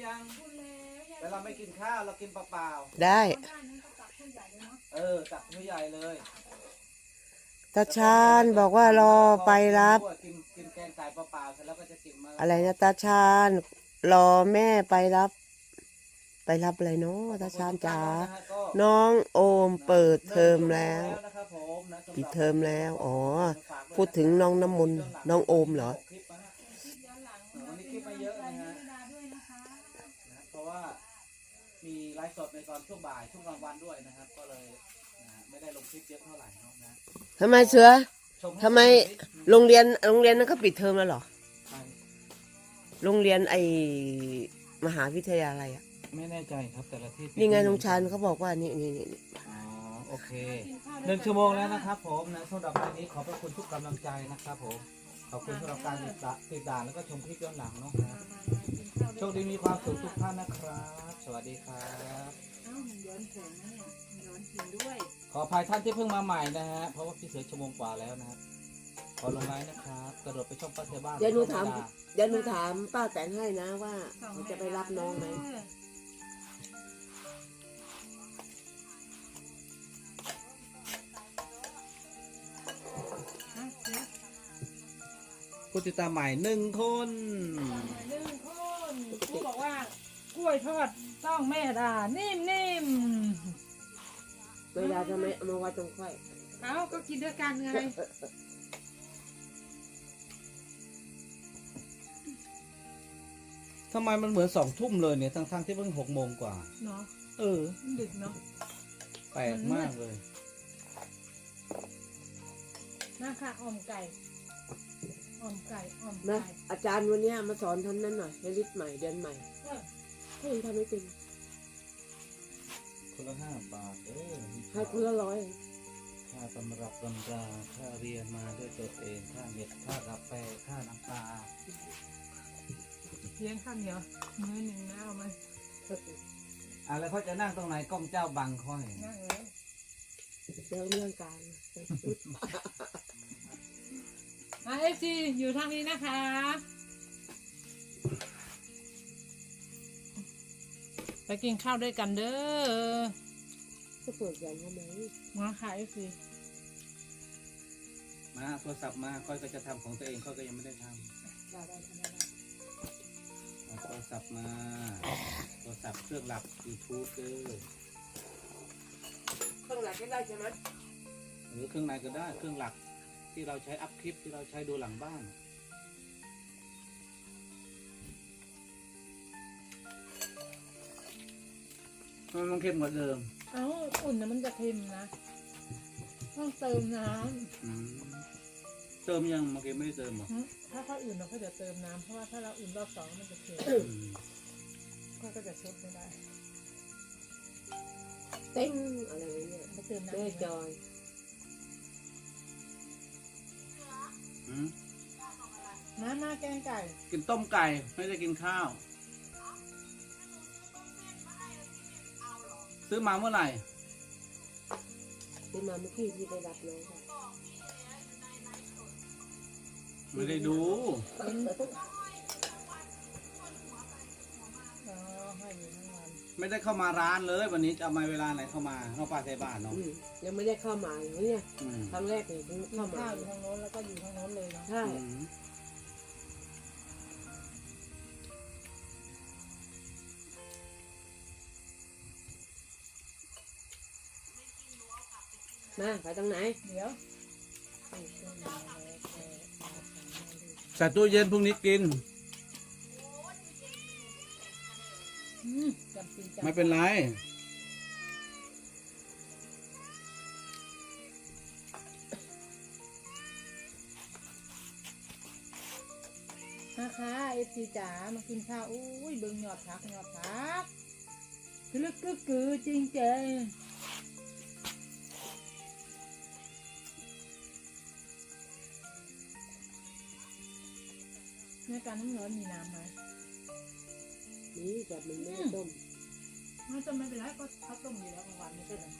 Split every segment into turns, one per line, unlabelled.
ยังแต่เราไม่กินข้าวเรากินเปล่า
ได้
ๆตักผู้ใหญ่เลย
ตาชาญบอกว่ารอไปรับ
กินแกงไก่เปล่าๆเสร็จแล้วก็จะกินมะละกอ
อะไรนะตาชาญรอแม่ไปรับ ไปรับอะไรเนาะตาชาญจ๋าน้องโอมเปิดเทอมแล้วปิดเทอมแล้วอ๋อพูดถึงน้องน้ำมนต์น้องโอมเหรอ
วันนี้คลิปมาเยอะนะฮะเพราะว่ามีไลฟ์สดในตอนช่วงบ่ายช่วงกลางวันด้วยนะครับก็เลยไม่ได้ลงคลิปเยอะเท่าไหร่เนาะนะ
ทำไมเสือทำไมโรงเรียนนั้นเขาปิดเทอมแล้วเหรอโรงเรียนไอมหาวิทยาลัยอ่ะ
ไม่แน่ใจครับแต่ละที่
นี่ไงน้องชานเขาบอกว่านี่
อ๋อโอเค1 ชั่วโมงแล้วนะครับผมนะสำหรับวันนี้ขอบพระคุณทุกกำลังใจนะครับผมขอบคุณสำหรับการติดตามแล้วก็ชมคลิปย้อนหลังเนาะโชคดีมีความสุขทุกท่านนะครับสวัสดีครับ
มันย้อนแสงนะเนี่ยมันย้อนจริงด้วย
ขออภัยท่านที่เพิ่งมาใหม่นะฮะเพราะว่าพี่เสือ1 ชั่วโมงกว่าแล้วนะครับขอลงไลน์นะครับกระโดดไปช่องป้าเทบ้าน
เดี๋ยวหนูถามป้าแตนให้นะว่าเขาจะไปรับน้องไหม
ผู้ติดตามใหม่1 คน
ผู้บอกว่ากล้วยทอดต้องแม่ดานิ่ม
เวลาทำไมเอามาไว้ตรงค่อย
เอ้าก็กินด้วยกันไง
ทำไมมันเหมือน2 ทุ่มเลยเนี่ยทั้งที่เพิ่ง6 โมงกว่า
เนาะดึกเนาะ
แปลกมากเลย
นะคะอ่อมไก่
นะอาจารย์วันนี้มาสอนทำนั่นหน่อยให้ลิสต์ใหม่เดือนใหม่ให้ทำไม่เป็น
คนละ5 บาท
ให้คนละ100
ค่าตำรับตำราค่าเรียนมาด้วยตัวเองค่าเน็ตค่ากาแฟค่าน้ำปลา
เลี้ยงข้าวเหนียวมื้อหนึ่งนะเอามา
แล้วเขาจะนั่งตรงไหนกล้องเจ้าบังค่อย
นั่งเลย
เรื่องการ
เอฟซีอยู่ทางนี้นะคะไปกินข้าวด้วยกันเด้อ
จะเปิดอย่างทำไม
มาค่ะเอฟซี
มาโทรศัพท์มาค่อยก็จะทำของตัวเองค่อยก็ยังไม่ได้ทำโทรศัพท์มาโทรศัพท์เครื่องหลับ YouTube เค
รื่องหลักก็ได้ใช่ไหม
หรือเครื่องไหนก็ได้เครื่องหลักที่เราใช้อัพคลิปที่เราใช้ดูหลังบ้านมันเค็มกว่าเดิม
อุ่นนะมันจะเค็มนะต้องเติมน้
ำเติมยังเมื่อกี้ไม่ได้เติมหรอ
ถ้าเขาอุ่นเราก็จะเติมน้ำเพราะว่าถ้าเราอุ่นรอบ2มันจะเค็มก็จะชดไม่ได้
เต้งอะไรเนี่ย
ไม่เติมน้ำ
แม่จอย
มาแกงไก่
กินต้มไก่ไม่ได้กินข้าวซื้อมาเมื่อไหร่
ซื้อมาเมื่อกี้ที่ไปรับน้องค่ะ
ไม่ได้ดูไม่ได้เข้ามาร้านเลยวันนี้จะเอามาเวลาไหนเข้ามาเข้าป้าใส่บ้านเนาะ
ยังไม่ได้เข้ามาอย่างนี้ครั้งแรกเลยเข้ามา
อยู่ทางโน้นแล้วก็อยู่ทางโน้นเลยนะ
ใช่มาไปตรงไหน
เดี๋ยว
ใส่ตู้เย็นพรุ่งนี้กินไม่เป็นไร
นะคะเอฟซีจ๋ามากินข้าวอุ้ยเบิ่งหยอดพักคือลึกคือจริงเจในการน้ำร้อนมีน้ำไหม
นี่แบบมันไม่ต้ม
ไม่ต้มไม่เป็นไรก็เขาต้มอยู่แล้วกลางวันไม่ใช่หรอ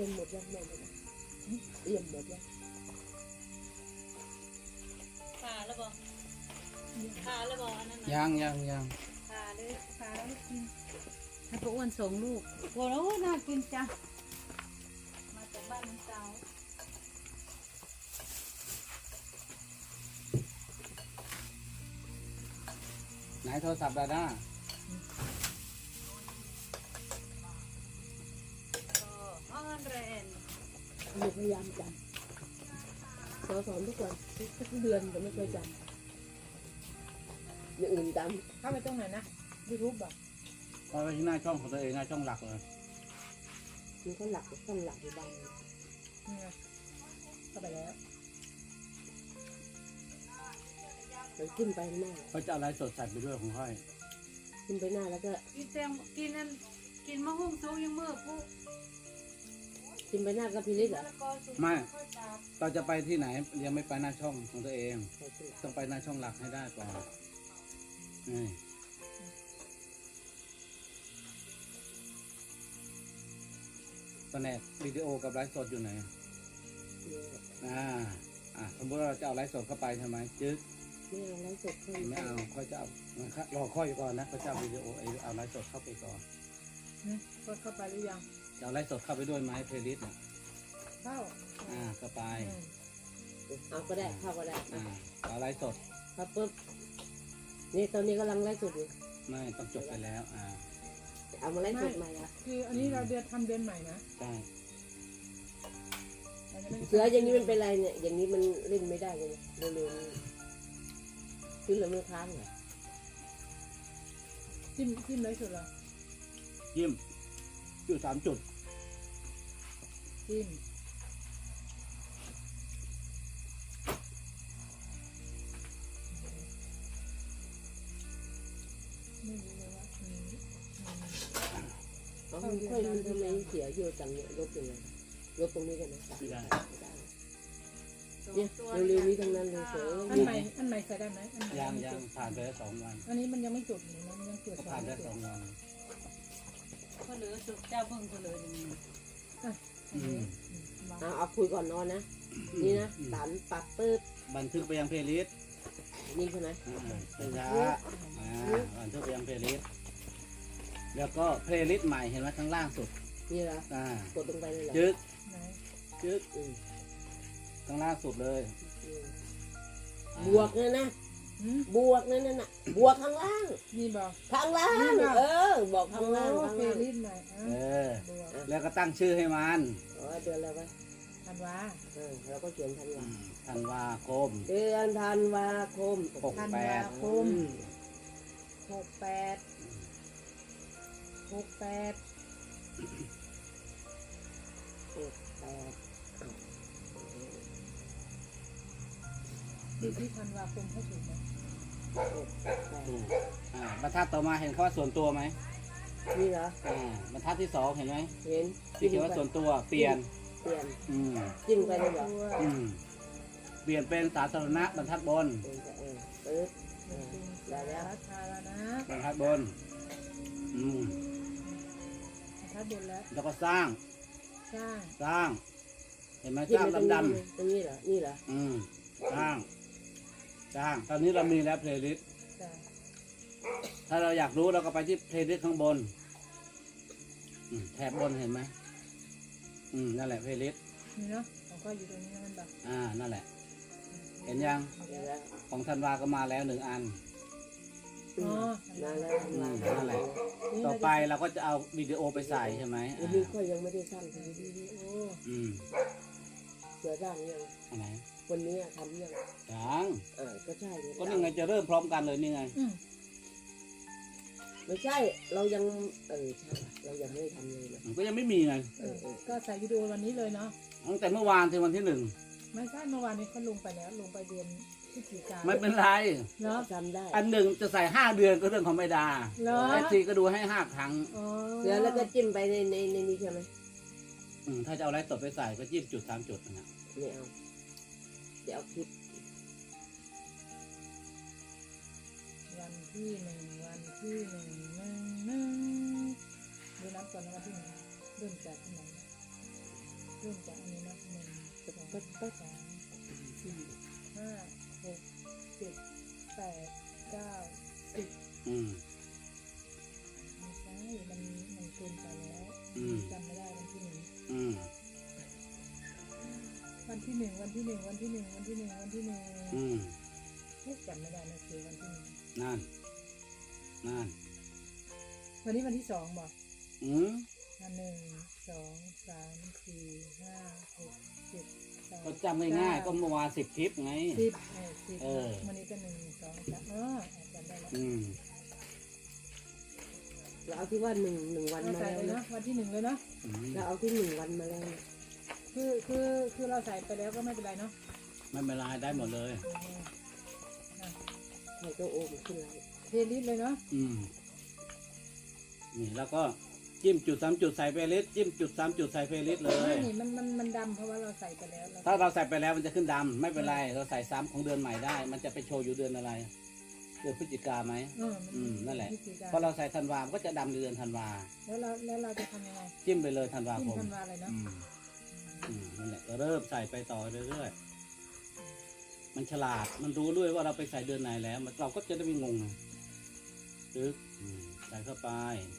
มหมดยังแม่เลยนะเตรียมหมดยัง
ขาแล้วบอกขาแล้วบอกอันนั้น
ยัง
ขาเลย
ขาแล้วกิน
ให้พวกอ้วนส่งลูกโอ้โหน่ากินจังมาจากบ้านน้องสาว
ไหนโทรศัพท์ดาด้า
ออนเรน
หนูพยายามจำสอนทุกวันทุกเดือนแต่ไม่เคยจำอย่างอื่นจ
เข้าไปตรงไหนนะยูทูบบอก
เอาไปที่หน้าช่องของตัวเองหน้าช่องหลักเลย
ำมันก็หลักต้องหลักอยู่บ้าง
นี่ไงเข้าไปแล้ว
มันขึ้นไปหน้า
เขาจะเอาไลฟ์สดใส่ไปด้วยของค่อย
ขึ้นไปหน้าแล้วก็
กินแตงกินนั่นกินมะฮุ่งซุกยังมือปุ๊บ
ขึ้นไปหน้าก็พิลิตเหรอ
แล้วก็ซุป
ไม่
ข้าวจาบ
เราจะไปที่ไหนยังไม่ไปหน้าช่องของตัวเอง
ใส่ขึ้น
ต้องไปหน้าช่องหลักให้ได้ก่อนนี่ตอนแรกวิดีโอกับไลฟ์สดอยู่ไหน สมมติว่าเราจะเอาไลฟ์สดเข้าไปใช่ไหมจึ๊ก
ไม่เอาไลฟ์สดเข้า
ไม่เอาค่อยจะเอารอค่อยก่อนนะเขาจะเอาวิดีโอเอาไลฟ์สดเข้าไปก่อน
นี่กดเข้าไปหรือยัง
จะเอาไลฟ์สดเข้าไปด้วยไหมเพลย์ลิสต์น่ะ
เข้า
เข้าไป
เอาก็ได้เข้าก็ได้
เอาไลฟ์สด
ครับปุ๊บนี่ตอนนี้กำลังไลฟ์สดอยู่
ไม่ต้องจบไปแล้ว
เอามาไลฟ์สดใหม่ละ
คืออันนี้เราทำเดือนใหม่นะ
ใช่
เราจะไม่
เสืออย่างนี้มันเป็นไรเนี่ยอย่างนี้มันเล่นไม่ได้เลยเร็วๆนี้ขึ้นแล้วมือค้างเหรอ
จิ้มเลยสุดเหรอ
ยิ้มจุด3 จุด
จิ้มไม่รู้เลยว่า
เอามันค่อยมันทำไมเสียเยอะจังเนี่ยลบยังไงลบตรงนี้กันนะไม่ได้เนี่ยเร็วๆนี้ทั้งนั้นเลยเสือ
อันใหม่ใส่ได้ไหมอันใหม่
ยังผ่านไปแล้ว2 วัน
อันนี้มันยังไม่จุดนี่นะมันยังตรวจ
ก็
สอบ
ผ่านไป
ไม่
แล้ว
จุด
2 วัน
เขาเหลือสุกเจ้าเบิ่งเขาเหลืออย่างนี้
เอาคุยก่อนนอนนะนี่นะตันปักปึ๊บ
บันทึกไปยังเพลย์ลิสต์
นี่ใช่ไหม
เป็นช้าบันทึกไปยังเพลย์ลิสต์แล้วก็เพลย์ลิสต์ใหม่เห็นไหมข้างล่างสุด
นี่เหรอกดลงไปเลยเหรอ
จึ๊ก
ไหน
จึ๊กข้างล่างสุดเลย
บวกเนี่ยนะ
หืม
บวกนั่นน่ะบวกข้างล่าง
นี่บอก
ข้างล่างบอกข้างล่าง
โอ้
ข้าง
เฟ
ล่าง
ลิสใหม่ บวก
แล้วก็ตั้งชื่อให้มัน
เดือนอะไรวะ
ธันวา
เราก็เขียนธันวา
ธันวาคม
เดือนธันวาคม
ธันวาคม68ดูที่ธันวาคมเขาถูกไหม
บรรทัดต่อมาเห็นคำว่าส่วนตัวไหม
นี่เหรอบ
รรทัดที่2เห็นไหม
เห็น
ที่เขียนว่าส่วนตัวเปลี่ยน
เปลี่ยน
อืม
จิ้มไปเลยเหรอ
เปลี่ยนเป็นสาธารณะบรรทัดบน
ปึ๊บ
สาธารณะ
บรรทัดบน
ทัดบนแล้ว
แล้วก็สร้าง
สร้าง
เห็นไหม
จิ้
สร้าง
ไป
ดำ
ตรงนี้เหรอนี่เหรอ
สร้างตอนนี้เรามีแล้วเพลย์ลิสต์
จ้ะ
ถ้าเราอยากรู้เราก็ไปที่เพลย์ลิสต์ข้างบนแถบบนเห็นไหมนั่นแหละเพลย์ลิสต์
นี่เนาะของก็อยู่ตรงนี้มันแบบ
นั่นแหละ เห็นยัง
เห็นแล้ว
ของธันวาก็มาแล้ว1 อัน
อ๋อ
นั่นแล้ว
นั่นแหละ ต่อไปเราก็จะเอาวิดีโอไปใส่ใช่ไหม
วันนี้ก็ยังไม่ได้สร้างที
วิดีโอ
เสือสร้างยัง
อันไหน
วันนี้ทำยัง
ยัง
ก็ใช่
ก็นี่ไงจะเริ่มพร้อมกันเลยนี่ไง
ไม่ใช่ เรายังใช่เรายังไม่ได้ทำเลยนะ
ก็ยังไม่มีไง
ก็ใส่วิดีโอวันนี้เลยเนาะ
ตั้งแต่เมื่อวานถึงวันที่
ไม่ใช่เมื่อวานนี้เขาลงไปแล้วลงไปเดือนพฤศจิกา
1ไม่เป็นไร
เนาะ
จำได้
อันหนึ่งจะใส่5 เดือนก็เรื่องของไม่ดา
เหรอ
ทีก็ดูให้5 ครั้ง
อ๋อ
เสือแล้วก็จิ้มไปในนี้ใช่ไหม
ถ้าจะเอาอะไรสดไปใส่ก็จิ้มจุด3 จุดนะ
ไม่เอาเดี๋ยวเอาคลิป
วันที่1ดูนับก่อนนะวันที่1เริ่มจากที่ไหนเริ่มจากอันนี้นะ1 2 3 4 5 6 7 8 9 10
อืม
ไม่ใช่มันเกินไปแล้ว
อืม
จำไม่ได้วันที่
อืม
1วันที่ 1วันที่ 1วันที่ 1วันที่ 1วันที่
อืม
1จำไม่ได้นะคือวันที่
นั่น นั่น
1วันนี้วันที่2บอก
อืม
1 2 3 4 5 6 7 8
ก็จำง่ายๆก็เมื่อวาน10 คลิปไง
10
เออ
วันนี้ก็1 2 3จำได้แล้ว
อืม
เราเอาที่ว่าหนึ่งวัน
เรา
มา
ใส่
แล้ว
เลย
นะ
เนาะวันที่ 1เลยเนาะ
อืม
เราเอาที่1 วันมาแล้วนะ
คือเราใส่ไปแล้วก็ไม่เป็นไรเนาะ
ไม่เป็นไรได้หมดเลย
ให้ตัวโอมขึ้นไลน์
เทลิสเลยเนาะ
อืม นี่แล้วก็จิ้มจุด3 จุดใส่เพลย์จิ้มจุด3 จุดใส่เพลย์เล
ไม่
ย
นี่มันดำเพราะว่าเราใส่ไปแล้ว
ถ้าเราใส่ไปแล้วมันจะขึ้นดำไม่เป็นไร เราใส่ซ้ำของเดือนใหม่ได้ มันจะไปโชว์อยู่เดือนอะไร เดือนพฤศจิกาไหม นั่นแหละ พอเราใส่ธันวามันก็จะดำในเดือนธันวา
แล้วเราจะทำยังไง
จิ้มไปเลยธันวา
จิ้
ค
ม
ม
ธันวาเลยเนาะ
นั่นแหละก็เริ่มใส่ไปต่อเรื่อยๆ มันฉลาด มันรู้ด้วยว่าเราไปใส่เดือนไหนแล้วมันเราก็จะได้ไม่งงนะตึ๊กใส่เข้าไป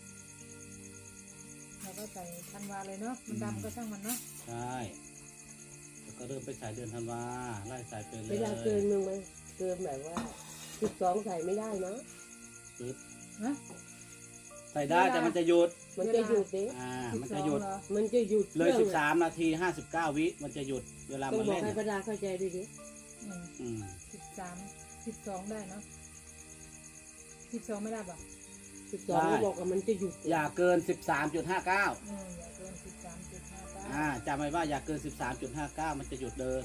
เราก็ใส่ธันวาเลยเนาะมันดำก็ช่างมันเนาะ
ใช่แล้วก็เริ่มไปใส่เดือนธันวา ไล่ใส่ไปเล
เวย ลาเกินมึงไหมเกินแบบว่า12ใส่ไม่ได้นะ
ตึ๊บ
นะ
ใส่ได้แต่มันจะหยุด
มันจะหยุดเด้
มันจะหยุด
เหรอ
มันจะหยุด
เลย
ครื่องอะ
13 นาที 59 วิ มันจะหยุด เวลา
ต้อ
มั
ง
น
บอก
เล่น
ให้ประดาเข้าใจด้วยดิ
อืม13 12ได้เนาะ12ไม่ได้ป่ะ
12ก็บอกว่ามันจะหยุด
อย่าเกิน 13.59
อย่าเกิน13.59
จำไว้ว่าอย่าเกิน 13.59 มันจะหยุดเดิน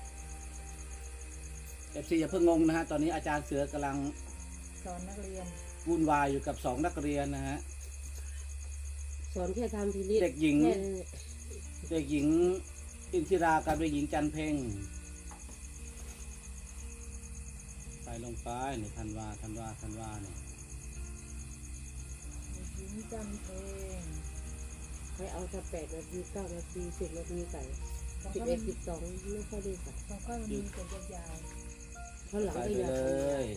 FC อย่าเพิ่งงงนะฮะ ตอนนี้อาจารย์เสือกำลัง
สอนนักเรียน
วุ่นวายอยู่กับ2 นักเรียนนะฮะ
สอนแค่ทำทีนี้
เด็กหญิง
แค่นั้นแหละ
เด็กหญิงอินทิรากับเด็กหญิงจันเพ็งใส่ลงไปในธันวาเนี่ย
หญิงจำเพลง
ให้เอาสัก8 นาที 9 นาที 10 นาทีใส่
ของ
11
เขามัน
12ไม่ค่อยได้ใส่
ของเขามันมีแต่ยาว
เพราะหลัง
ใส่
ก็
ไป
อยาก
เล
ทำงาน
ย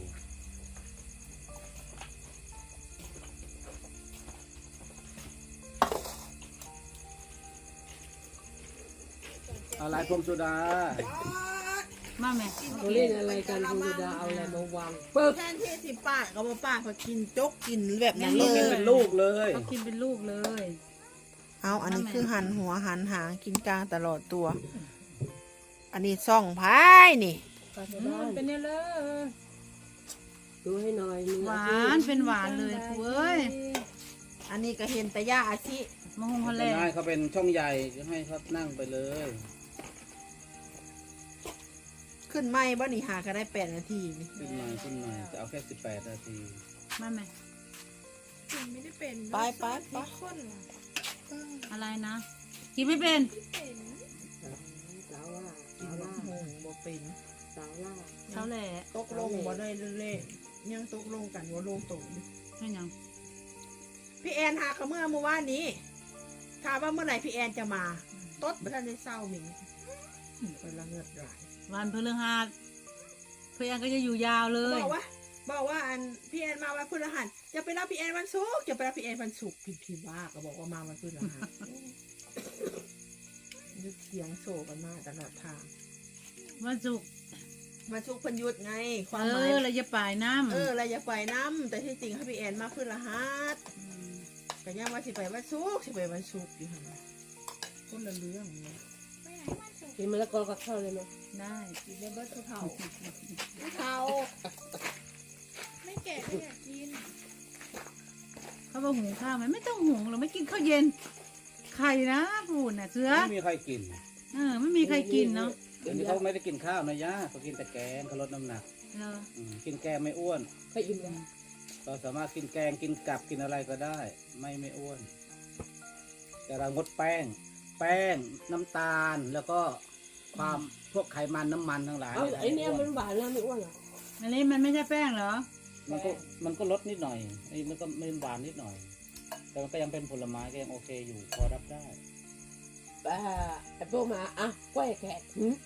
อะไรพรมสุดา
มาแม่
เขาเล่นอะไรกันคุณจะเอาอะไรมาวางปึ๊บ
แทนที่สิป้าก็บ่ป้าเขากินจกกินแบบนั้นเล
กิน
ย
เป็นลูกเลย
เขากินเป็นลูกเลย
เอาอันนี้คือหันหัวหันหางกินกลางตลอดตัว อันนี้ซ่องพายนี่
ๆก็จะได้เป็นเนี่ยเลย
ดูให้หน่อยมี
ห
อาว
า
ชีพ
นเป็นหวานเลยเว้ย
อันนี้ก็เห็นแต่ย่าอาชิ
มะฮงฮอลแล
เป็น
น
ได้
ด์
เขาเป็นช่องใหญ่ก็ให้เขานั่งไปเลย
ขึ้นไม่บ่นี่หาก็ได้8 นาทีนี่
ขึ้นหน่อยจะเอาแค่18 นาที
มาแม่
ไม่ได้เป็นไปไปไป
อะไรนะ กินไม่เป็น
สาวล่า
กิน
สาวล่า
บ่เป็น
สาวล่า
เขาแหละ
ตกลงบ่ได้เล่นๆยังตกลงกันว่าลงตรง
ให้ยัง
พี่แอนหาเขาเมื่อวานนี้ถามว่าเมื่อไหร่พี่แอนจะมาตดบ่ทันได้เศร้าหมิงเป็นละเงิดหลาย
วันพฤหัสเพื่อนก็จะอยู่ยาวเลย
บอกว่าอันพี่แอนมาวันพฤหัสจะไปรับพี่แอนวันศุกร์จะไปรับพี่แอนวันศุกร์พี่ว่าก็บอกว่ามาวันพฤหัสยึดเสียงโศกันมาตลอดทาง
วันศุกร์
วันศุกร์เพันหยุดไง ความ
เอ
หมาย
อเราจะป่ายน้ำ
เราอย่าไปน้ำแต่ที่จริงให้พี่แอนมาพฤหัสก็ยังว่าสิไปวันศุกร์สิไปวันศุกร์อยู่หั่นน่ะคนละเรื่องเนี่ย
กินมะละกอกับข้าวเลยไหม
ได้
กินได้เบิดเท่าเท่าไม่แก่ไม่อยากกิน
เขาบอกหุงข้าวไหมไม่ต้องหุงเราไม่กินข้าวเย็นไข่นะพูดน่ะเสือ
ไม่มีใครกิน
ไม่มีใครกินเนาะ
เดี๋ยวนี้เขาไม่ได้กินข้าวนะย่าเขากินแต่แกงเขาลดน้ำหนัก
เออ
กินแกงไม่อ้วน
ไปอิ่มแล้ว
เราสามารถกินแกงกินกับกินอะไรก็ได้ ไม่อ้วน แต่เรางดแป้ง น้ำตาลแล้วก็ความพวกไขมันน้ำมันทั้งหลาย
เอาไอ้เนี่ยมันหวานแล้วไม่อ้วนเหรอ
อันนี้มันไม่ใช่แป้งเหรอ
มันก็ลดนิดหน่อยไอ้มันก็ไม่หวานนิดหน่อย แต่มันก็ยังเป็นผลไม้ก็ยังโอเคอยู่พอรับได้
ไอ้พวกมาอ่ะกล้วยแขก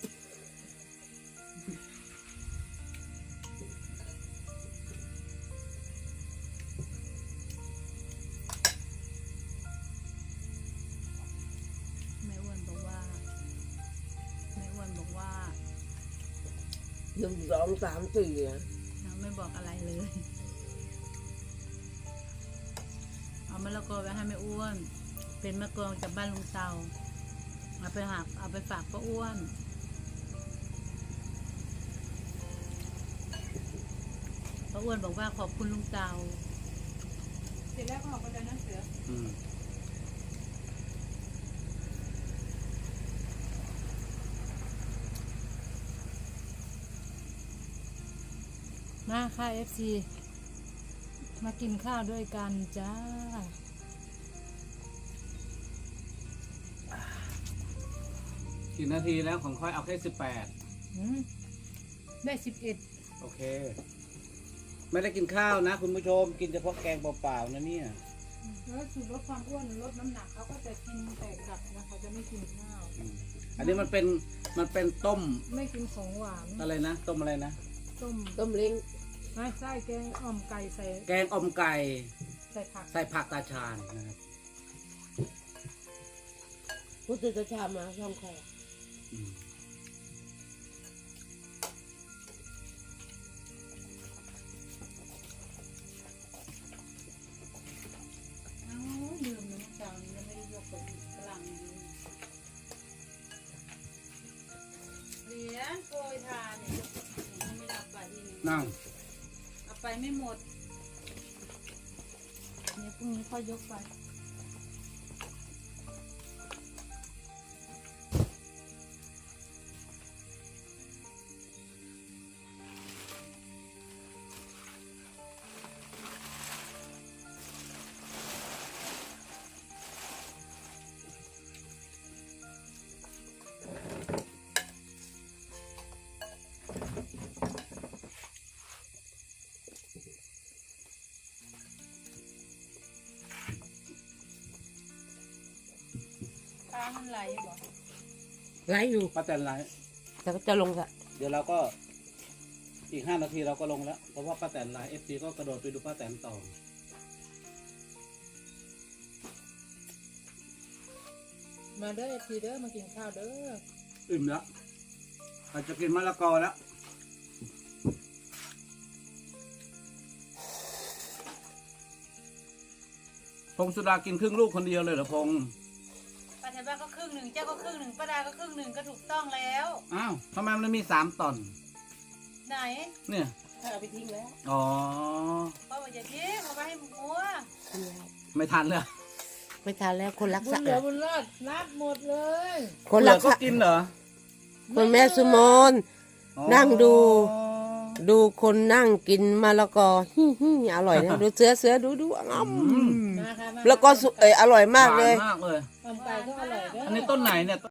แม่อ้วนบอกว่าแม่อ้วนบอกว่า
1 2 3 4อ่ะ
เราไม่บอกอะไรเลย เอามะละกอไปให้แม่อ้วน เป็นมะกอกจากบ้านลุงเตาเอาไปฝากป้าอ้วนป้าอ้วนบอกว่าขอบคุณลุงเตา
เสร็จแล้วก็ออกไปเลยนะเสือ
อืม
มาค่ะ FC มากินข้าวด้วยกันจ้า
กี่นาทีแล้วของค่อยเอาแค่18
ได้11
โอเค ไม่ได้กินข้าวนะคุณผู้ชมกินเฉพาะแกงเปล่าๆนะเนี่ย
แล้วสูตรลดความอ้วนลดน้ำหนักเขาก็จะกินแต่กับนะเขาจะไม่กินข้าว
อันนี้มันเป็นต้ม
ไม่กินของหวาน
อะไรนะต้มอะไรนะ
ต้ม
เล้ง
ไม่ไส้แกงอ่อมไก่ใส่
แกงอมไก่
ใส่ผัก
ใส่ผักตาชาญนะครับ
พุทธชามาช่องแขก
อืม
เอ้าลืมนะเจ้านี้ยังไม่ได้ยกไปอีกกำลังอยู่เหรียญโปรยทานเนี่ยยังไม่ได้เอาไปอีก
นั่ง
เอาไปไม่หมด
เนี่ยพรุ่งนี้ค่อยยกไป
ปลามันไหลบอก
ไลฟ์อยู่
ป้าแตนไลฟ์
แต่ก็จะลงละ
เดี๋ยวเราก็อีก5 นาทีเราก็ลงแล้วเพราะว่าป้าแตนไลฟ์ FC ก็กระโดดไปดูป้าแตนต่อ
มาเด้อ FC เด้อมากินข้าวเด้อ
อิ่มแล้วเราจะกินมะละกอแล้วพงสุดากินครึ่งลูกคนเดียวเลยเหรอพง
ป้าแถวบ้านก็ครึ่งหนึ่งเจ้าก็ครึ่งหนึ่งป้าดาก็ครึ่งหนึ่งก็ถูกต้องแล้ว
อ้าวทำไมมันมี3 ตอน
ไหน
เนี่ย
เอาไปทิ้งแล้ว
อ๋อ
ป้าบอกอย่าทิ้งเอาไปให้หมัว
ไม่ทันเลย
ไม่ทานแล้วคนรัก
บุ
ษา
ญเหลือบุญรอดนับหมดเลย
คน
เหลื
รั
อก ก็
ษา
กินเหรอ
คนแม่สุมน
อ๋อ
นั่งดู ดูคนนั่งกินมะละกออร่อยนะดูเสือดูอ้ำ
มาค่ะมา
แล้วก็อร่อยมากเลย
หวานมากเลย
อ่อมไก่ก็อร่อยเด้อ
อันนี้ต้นไหนเนี่ย